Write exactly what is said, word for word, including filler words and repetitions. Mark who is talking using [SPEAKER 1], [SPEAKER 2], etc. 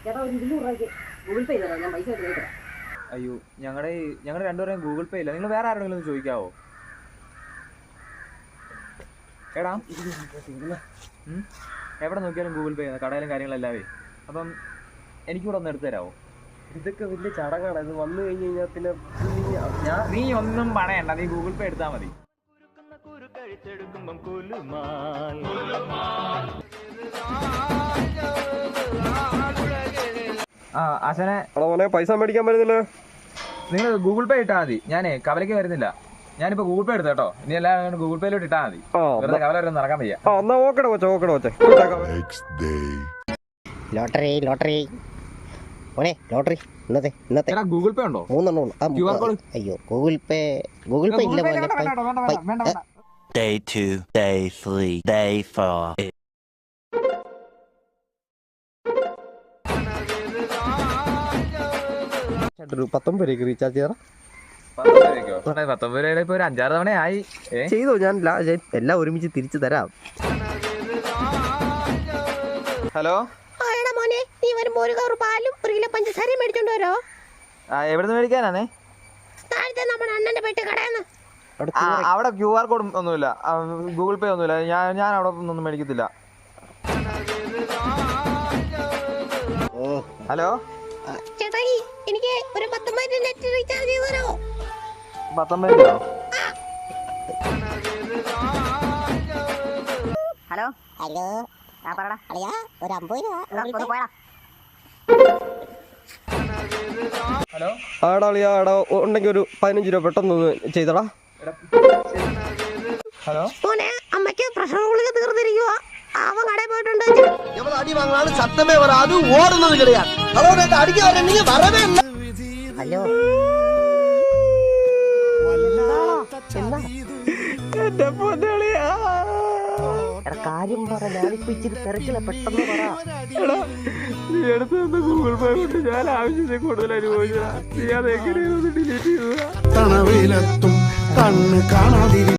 [SPEAKER 1] അയ്യോ ഞങ്ങളുടെ ഞങ്ങളുടെ രണ്ടുപേരെയും ഗൂഗിൾ പേ ഇല്ല. നിങ്ങൾ വേറെ ആരോടെങ്കിലും ഒന്ന് ചോദിക്കാവോ? എടാ എവിടെ നോക്കിയാലും ഗൂഗിൾ പേ കടയിലും കാര്യങ്ങളെല്ലാവേ. അപ്പം എനിക്കൂടെ ഒന്ന് എടുത്തു തരാമോ?
[SPEAKER 2] ഇതൊക്കെ വലിയ ചടങ്ങാണ്. ഇത് വന്നു കഴിഞ്ഞ് കഴിഞ്ഞാൽ പിന്നെ
[SPEAKER 1] നീ ഒന്നും പണയണ്ട, നീ ഗൂഗിൾ പേ എടുത്താൽ മതി. ആ ആശാനെ
[SPEAKER 2] പൈസ മേടിക്കാൻ പറ്റുന്നില്ല.
[SPEAKER 1] നിങ്ങൾ ഗൂഗിൾ പേ ഇട്ടാൽ മതി. ഞാനേ കവലയ്ക്ക് വരുന്നില്ല. ഞാനിപ്പോ ഗൂഗിൾ പേ എടുത്ത കേട്ടോ. ഇനി എല്ലാവരും ഗൂഗിൾ പേയിലോട്ട് ഇട്ടാൽ മതി. വെറുതെ കവല വരെ നടക്കാൻ വയ്യ.
[SPEAKER 3] ലോട്ടറി ലോട്ടറി മോനെ ലോട്ടറി ഇന്നത്തെ ഇന്നത്തെ
[SPEAKER 1] ഗൂഗിൾ പേ ഉണ്ടോ?
[SPEAKER 3] മൂന്നെണ്ണം. അയ്യോ ഗൂഗിൾ പേ ഗൂഗിൾ പേ ഇല്ല മോനെ.
[SPEAKER 4] Day two, day three, day four.
[SPEAKER 2] പത്തൊമ്പത് രൂപയ്ക്ക് റീചാർജ് ചെയ്യാം.
[SPEAKER 1] പത്തൊമ്പത് രൂപയുടെ ഇപ്പൊ ഒരു അഞ്ചാറ് തവണ ആയി
[SPEAKER 2] ചെയ്തോ. ഞാൻ എല്ലാം ഒരുമിച്ച് തിരിച്ചു തരാം.
[SPEAKER 1] ഹലോ
[SPEAKER 3] മോനെ നീ വരുമ്പോ ഒരു കവർ പാലും ഒരു കിലോ പഞ്ചസാരയും മേടിച്ചോണ്ട് വരോ?
[SPEAKER 1] എവിടുന്ന് മേടിക്കാനാണേ?
[SPEAKER 3] താഴത്തെ നമ്മുടെ അണ്ണന്റെ പെട്ടി കടയെന്ന്.
[SPEAKER 1] അവിടെ ക്യു ആർ കോഡ് ഒന്നുമില്ല, ഗൂഗിൾ പേ ഒന്നുമില്ല. ഞാൻ ഞാൻ അവിടെ ഒന്നും മേടിക്കത്തില്ല. ഹലോ
[SPEAKER 3] ചേട്ടായി എനിക്ക് ഒരു പത്തൊമ്പത് നെറ്റ് റീചാർജ് ചെയ്ത് തരോ?
[SPEAKER 1] പത്തൊമ്പത് രൂപ.
[SPEAKER 3] ഹലോ ഹലോ ആ പറടാ അളിയാ ഒരു അമ്പത് രൂപ പോയാ.
[SPEAKER 1] ഹലോ
[SPEAKER 2] ആടാ അളിയാ ആടാ ഉണ്ടെങ്കിൽ ഒരു പതിനഞ്ച് രൂപ പെട്ടെന്ന് ചെയ്തടാ.
[SPEAKER 1] ഹലോ
[SPEAKER 3] മോനെ അമ്മയ്ക്ക് പ്രഷർ ഗുളിക തീർന്നിരിക്കുക. അവൻ കടയിൽ പോയിട്ടുണ്ട്.
[SPEAKER 5] അടി വാങ്ങാൻ സത്തമേ വരാതെ ഓടുന്നത് കിടയാണ്. ഹലോ അടിക്ക് വരവേ ഇല്ല.
[SPEAKER 3] ഹലോ കാര്യം പറ. ഞാനിപ്പോ ഇച്ചിരി തിരക്കില്ല, പെട്ടെന്ന് പറ.
[SPEAKER 1] നീ എടുത്ത് തന്ന ഗൂഗിൾ പേ കൊണ്ട് ഞാൻ ആവശ്യത്തിൽ കൂടുതൽ അനുഭവിച്ചതാ. നീ അത് എങ്ങനെയൊന്ന് ഡിലീറ്റ് ചെയ്തതാ?
[SPEAKER 5] തണവിലെത്തും കണ്ണ് കാണാതിരി